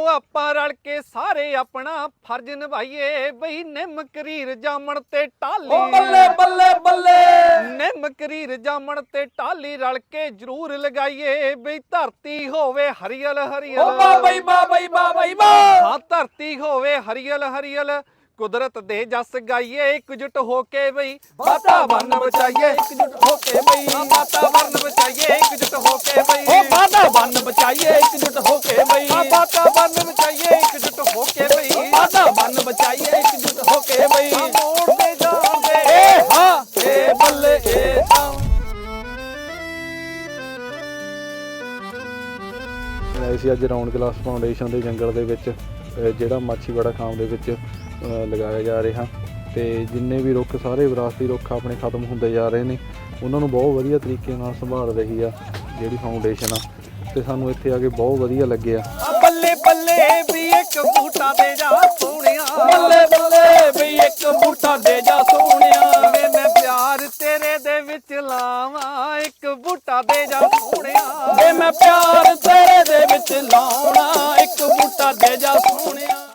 ਆਪਾਂ रल के सारे अपना फर्ज निभाइए बई निम करीर जामन ते टाली बल्ले बल्ले बल्ले निम करीर जामन ते टाली रल के जरूर लगाइए बई धरती होवे हरियल हरियल हाँ धरती होवे हरियल हरियल कुदरत दे जस गाइए एकजुट होके बई वातावरण बचाइए एकजुट होके बई वातावरण बचाइए एकजुट होके बई वातावरण बचाइए एकजुट होके बई वातावरण बचाइए एकजुट होके बई वातावरण बचाइए एकजुट होके बई मोड़ पे जाओगे ए हां ए बल्ले ए ਅਸੀਂ ਅੱਜ ਰਾਉਂਡ ਗਲਾਸ ਫਾਊਂਡੇਸ਼ਨ ਦੇ ਜੰਗਲ ਦੇ ਵਿੱਚ ਜਿਹੜਾ ਮਾਛੀਵਾੜਾ ਖਾਮ ਦੇ ਵਿੱਚ ਲਗਾਇਆ ਜਾ ਰਿਹਾ ਤੇ ਜਿੰਨੇ ਵੀ ਰੁੱਖ ਸਾਰੇ ਵਿਰਾਸਤੀ ਰੁੱਖ ਆਪਣੇ ਖਤਮ ਹੁੰਦੇ ਜਾ ਰਹੇ ਨੇ ਉਹਨਾਂ ਨੂੰ ਬਹੁਤ ਵਧੀਆ ਤਰੀਕੇ ਨਾਲ ਸੰਭਾਲ ਰਹੀ ਆ ਜਿਹੜੀ ਫਾਊਂਡੇਸ਼ਨ ਆ ਤੇ ਸਾਨੂੰ ਇੱਥੇ ਆ ਕੇ ਬਹੁਤ ਵਧੀਆ ਲੱਗਿਆ ਬੱਲੇ ਬੱਲੇ ਵੀ ਇੱਕ ਬੂਟਾ ਦੇ ਜਾ ਸੋਹਣਿਆ ਬੱਲੇ ਬੱਲੇ ਵੀ ਇੱਕ ਬੂਟਾ ਦੇ ਜਾ ਸੋਹਣਿਆ ਵੇ ਮੈਂ ਪਿਆਰ ਤੇਰੇ ਦੇ ਵਿੱਚ ਲਾਵਾਂ ਇੱਕ ਬੂਟਾ ਦੇ ਜਾ ਸੋਹਣਿਆ ਵੇ ਮੈਂ ਪਿਆਰ ਤੇਰੇ ਦੇ ਵਿੱਚ ਲਾਉਣਾ ਇੱਕ ਬੂਟਾ ਦੇ ਜਾ